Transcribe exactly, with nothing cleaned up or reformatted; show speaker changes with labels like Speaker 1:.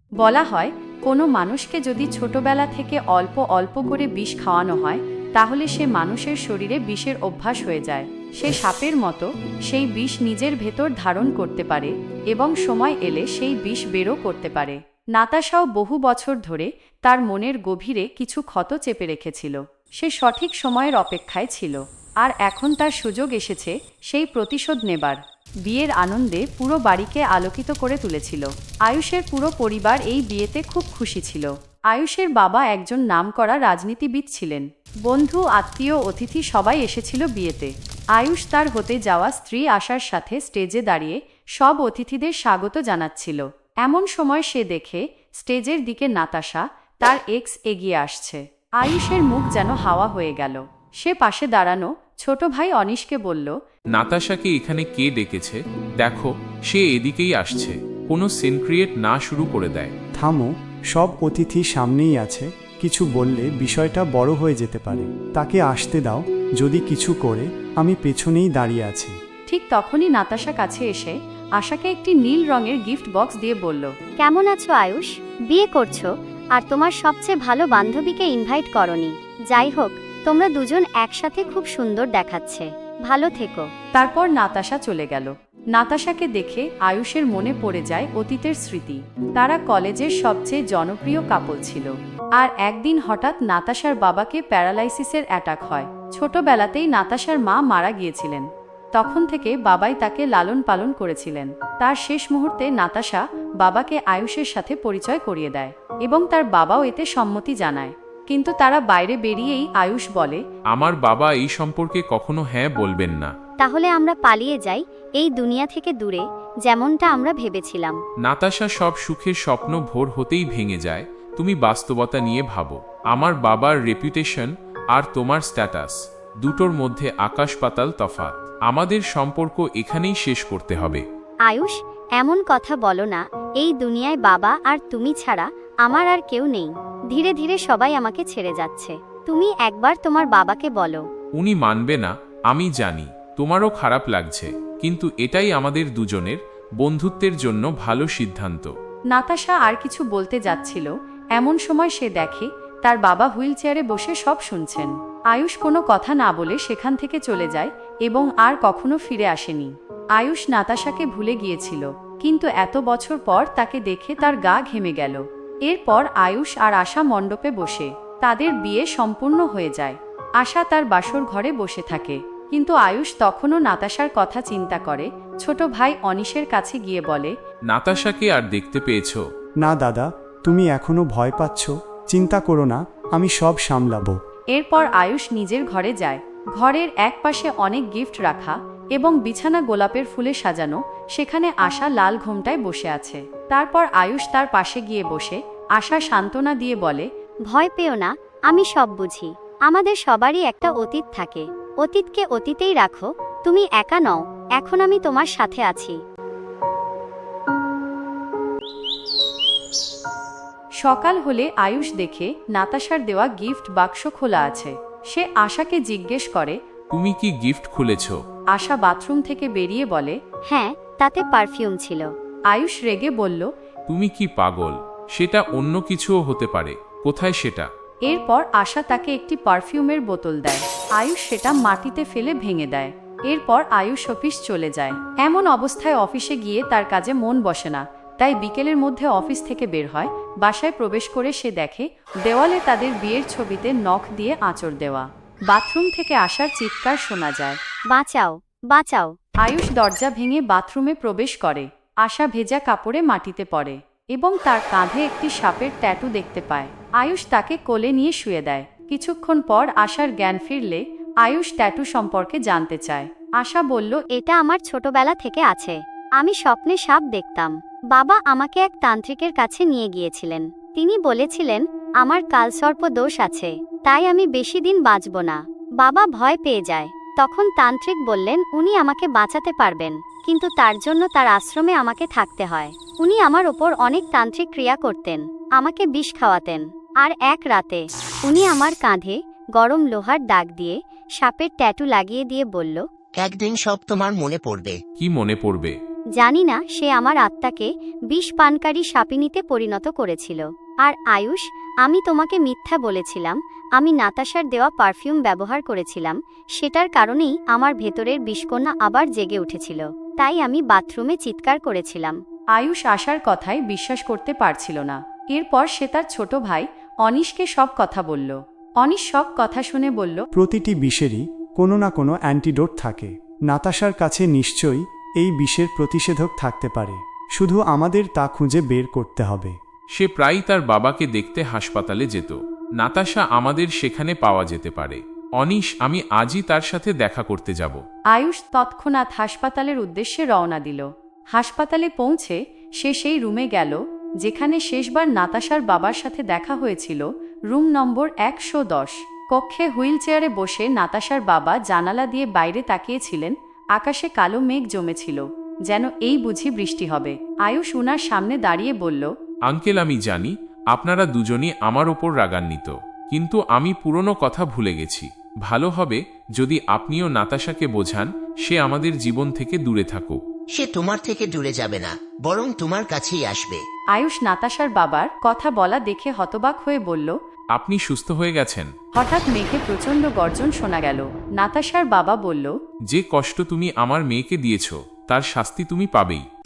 Speaker 1: বলা হয় কোনো মানুষকে যদি ছোটবেলা থেকে অল্প অল্প করে বিষ খাওয়ানো হয় তাহলে সে মানুষের শরীরে বিষের অভ্যাস হয়ে যায়। সে সাপের মতো সেই বিষ নিজের ভেতর ধারণ করতে পারে এবং সময় এলে সেই বিষ বেরও করতে পারে। নাতাশাও বহু বছর ধরে তার মনের গভীরে কিছু ক্ষত চেপে রেখেছিল। সে সঠিক সময়ের অপেক্ষায় ছিল, আর এখন তার সুযোগ এসেছে সেই প্রতিশোধ নেবার। বিয়ের আনন্দে পুরো বাড়িকে আলোকিত করে তুলেছিল। আয়ুষের পুরো পরিবার এই বিয়েতে খুব খুশি ছিল। আয়ুষের বাবা একজন নামকরা রাজনীতিবিদ ছিলেন। বন্ধু, আত্মীয়, অতিথি সবাই এসেছিল বিয়েতে। আয়ুষ তার হতে যাওয়া স্ত্রী আশার সাথে স্টেজে দাঁড়িয়ে সব অতিথিদের স্বাগত জানাচ্ছিল। এমন সময় সে দেখে স্টেজের দিকে নাতাশা, তার এক্স, এগিয়ে আসছে। আয়ুষের মুখ যেন হাওয়া হয়ে গেল। সে পাশে দাঁড়ানো ছোট ভাই অনিশকে বলল,
Speaker 2: নাতাশাকে এখানে কে ডেকেছে? দেখো, সে এদিকেই আসছে। কোনো সিন ক্রিয়েট না শুরু করে দেয়।
Speaker 3: থামো, সব অতিথি সামনেই আছে, কিছু বললে বিষয়টা বড় হয়ে যেতে পারে। তাকে আসতে দাও, যদি কিছু করে আমি পেছনেই দাঁড়িয়ে আছি।
Speaker 1: ঠিক তখনই নাতাশা কাছে এসে আশাকে একটি নীল রঙের গিফট বক্স দিয়ে বলল,
Speaker 4: কেমন আছো আয়ুষ? বিয়ে করছো আর তোমার সবচেয়ে ভালো বান্ধবীকে ইনভাইট করনি। যাই হোক, তোমরা দুজন একসাথে খুব সুন্দর দেখাচ্ছে। ভালো থেকো।
Speaker 1: তারপর নাতাশা চলে গেল। নাতাশাকে দেখে আয়ুষের মনে পড়ে যায় অতীতের স্মৃতি। তারা কলেজের সবচেয়ে জনপ্রিয় কাপল ছিল। আর একদিন হঠাৎ নাতাশার বাবাকে প্যারালাইসিসের অ্যাটাক হয়। ছোটবেলাতেই নাতাশার মা মারা গিয়েছিলেন। তখন থেকে বাবাই তাকে লালন পালন করেছিলেন। তার শেষ মুহূর্তে নাতাশা বাবাকে আয়ুষের সাথে পরিচয় করিয়ে দেয় এবং তার বাবাও এতে সম্মতি জানায়। কিন্তু তারা বাইরে বেরিয়েই আয়ুষ বলে,
Speaker 2: আমার বাবা এই সম্পর্কে কখনো হ্যাঁ বলবেন না।
Speaker 4: তাহলে আমরা পালিয়ে যাই এই দুনিয়া থেকে দূরে, যেমনটা আমরা ভেবেছিলাম।
Speaker 2: নাতাশা সব সুখের স্বপ্ন ভোর হতেই ভেঙে যায়। তুমি বাস্তবতা নিয়ে ভাবো। আমার বাবার রেপুটেশন আর তোমার স্ট্যাটাস, দুটোর মধ্যে আকাশ পাতাল তফাৎ। আমাদের সম্পর্ক এখানেই শেষ করতে হবে।
Speaker 4: আয়ুষ, এমন কথা বলো না। এই দুনিয়ায় বাবা আর তুমি ছাড়া আমার আর কেউ নেই। ধীরে ধীরে সবাই আমাকে ছেড়ে যাচ্ছে। তুমি একবার তোমার বাবাকে বলো।
Speaker 2: উনি মানবে না, আমি জানি। তোমারও খারাপ লাগছে, কিন্তু এটাই আমাদের দুজনের বন্ধুত্বের জন্য ভালো সিদ্ধান্ত।
Speaker 1: নাতাশা আর কিছু বলতে যাচ্ছিল, এমন সময় সে দেখে তার বাবা হুইল চেয়ারে বসে সব শুনছেন। আয়ুষ কোনো কথা না বলে সেখান থেকে চলে যায় এবং আর কখনো ফিরে আসেনি। আয়ুষ নাতাশাকে ভুলে গিয়েছিল, কিন্তু এত বছর পর তাকে দেখে তার গা ঘেমে গেল। এরপর আয়ুষ আর আশা মণ্ডপে বসে তাদের বিয়ে সম্পূর্ণ হয়ে যায়। আশা তার বাসর ঘরে বসে থাকে, কিন্তু আয়ুষ তখনও নাতাশার কথা চিন্তা করে। ছোট ভাই অনিশের কাছে গিয়ে বলে,
Speaker 2: নাতাশাকে আর দেখতে পেয়েছো?
Speaker 3: না দাদা, তুমি এখনো ভয় পাচ্ছ? চিন্তা করো না, আমি সব সামলাবো।
Speaker 1: এরপর আয়ুষ নিজের ঘরে যায়। ঘরের এক পাশে অনেক গিফট রাখা এবং বিছানা গোলাপের ফুলে সাজানো। সেখানে আশা লাল ঘোমটায় বসে আছে। তারপর আয়ুষ তার পাশে গিয়ে বসে আশা সান্ত্বনা দিয়ে বলে,
Speaker 4: ভয় পেও না, আমি সব বুঝি। আমাদের সবারই একটা অতীত থাকে। অতীতকে অতীতেই রাখো। তুমি একা নও, এখন আমি তোমার সাথে আছি।
Speaker 1: সকাল হলে আয়ুষ দেখে নাতাশার দেওয়া গিফট বাক্স খোলা আছে। সে আশাকে জিজ্ঞেস করে,
Speaker 2: তুমি কি গিফট খুলেছো?
Speaker 1: আশা বাথরুম থেকে বেরিয়ে বলে,
Speaker 4: হ্যাঁ, তাতে পারফিউম ছিল।
Speaker 1: আয়ুষ রেগে বলল,
Speaker 2: তুমি কি পাগল? সেটা অন্য কিছুও হতে পারে। কোথায় সেটা?
Speaker 1: এরপর আশা তাকে একটি পারফিউমের বোতল দেয়। আয়ুষ সেটা মাটিতে ফেলে ভেঙে দেয়। এরপর আয়ুষ অফিস চলে যায়। এমন অবস্থায় অফিসে গিয়ে তার কাজে মন বসে না, তাই বিকেলের মধ্যে অফিস থেকে বের হয়। বাসায় প্রবেশ করে সে দেখে দেওয়ালে তাদের বিয়ের ছবিতে নখ দিয়ে আঁচড় দেওয়া। বাথরুম থেকে আসার চিৎকার শোনা যায়,
Speaker 4: বাঁচাও, বাঁচাও।
Speaker 1: আয়ুষ দরজা ভেঙে বাথরুমে প্রবেশ করে। আশা ভেজা কাপড়ে মাটিতে পড়ে এবং তার কাঁধে একটি সাপের ট্যাটু দেখতে পায়। আয়ুষ তাকে কোলে নিয়ে শুয়ে দেয়। কিছুক্ষণ পর আশার জ্ঞান ফিরলে আয়ুষ ট্যাটু সম্পর্কে জানতে চায়। আশা বলল,
Speaker 4: এটা আমার ছোটবেলা থেকে আছে। আমি স্বপ্নে সাপ দেখতাম। বাবা আমাকে এক তান্ত্রিকের কাছে নিয়ে গিয়েছিলেন। তিনি বলেছিলেন আমার কালসর্প দোষ আছে, তাই আমি বেশি দিন বাঁচব না। বাবা ভয় পেয়ে যায়। তখন তান্ত্রিক বললেন উনি আমাকে বাঁচাতে পারবেন, কিন্তু তার জন্য তার আশ্রমে আমাকে থাকতে হয়। উনি আমার ওপর অনেক তান্ত্রিক ক্রিয়া করতেন, আমাকে বিষ খাওয়াতেন। আর এক রাতে উনি আমার কাঁধে গরম লোহার দাগ দিয়ে সাপের ট্যাটু লাগিয়ে দিয়ে বলল,
Speaker 5: একদিন সব তোমার মনে পড়বে।
Speaker 2: কি মনে পড়বে?
Speaker 4: জানি না সে আমার আত্মাকে বিষ পানকারী সাপিনীতে পরিণত করেছিল। আর আয়ুষ, আমি তোমাকে মিথ্যা বলেছিলাম। আমি নাতাশার দেওয়া পারফিউম ব্যবহার করেছিলাম, সেটার কারণেই আমার ভেতরের বিষকন্যা আবার জেগে উঠেছিল। তাই আমি বাথরুমে চিৎকার করেছিলাম।
Speaker 1: আয়ুষ আশার কথায় বিশ্বাস করতে পারছিল না। এরপর সে তার ছোট ভাই অনিশকে সব কথা বলল। অনিশ সব কথা শুনে বলল,
Speaker 3: প্রতিটি বিষেরই কোনো না কোনো অ্যান্টিডোট থাকে। নাতাশার কাছে নিশ্চয়ই এই বিষের প্রতিষেধক থাকতে পারে, শুধু আমাদের তা খুঁজে বের করতে হবে।
Speaker 2: সে প্রায়ই তার বাবাকে দেখতে হাসপাতালে যেত। নাতাশা আমাদের সেখানে পাওয়া যেতে পারে। অনিশ, আমি আজই তার সাথে দেখা করতে যাব।
Speaker 1: আয়ুষ তৎক্ষণাৎ হাসপাতালের উদ্দেশ্যে রওনা দিল। হাসপাতালে পৌঁছে সে সেই রুমে গেল যেখানে শেষবার নাতাশার বাবার সাথে দেখা হয়েছিল, রুম নম্বর একশো দশ। কক্ষে হুইল চেয়ারে বসে নাতাশার বাবা জানালা দিয়ে বাইরে তাকিয়েছিলেন। আকাশে কালো মেঘ জমেছিল, যেন এই বুঝি বৃষ্টি হবে। আয়ুষ উনার সামনে দাঁড়িয়ে বলল,
Speaker 2: আঙ্কেল, আমি জানি আপনারা দুজনই আমার ওপর রাগান্বিত, কিন্তু আমি পুরনো কথা ভুলে গেছি। ভালো হবে যদি আপনিও নাতাশাকে বোঝান সে আমাদের জীবন থেকে দূরে থাকুক।
Speaker 5: সে তোমার থেকে দূরে যাবে না, বরং তোমার কাছেই আসবে।
Speaker 1: আয়ুষ নাতাশার বাবার কথা বলা দেখে হতবাক হয়ে বলল,
Speaker 2: আপনি সুস্থ হয়ে গেছেন?
Speaker 1: হঠাৎ মেঘে প্রচণ্ড গর্জন শোনা গেল। নাতাশার বাবা বলল,
Speaker 2: যে কষ্ট তুমি আমার মেয়েকে দিয়েছ তার শাস্তি তুমি পাবেই।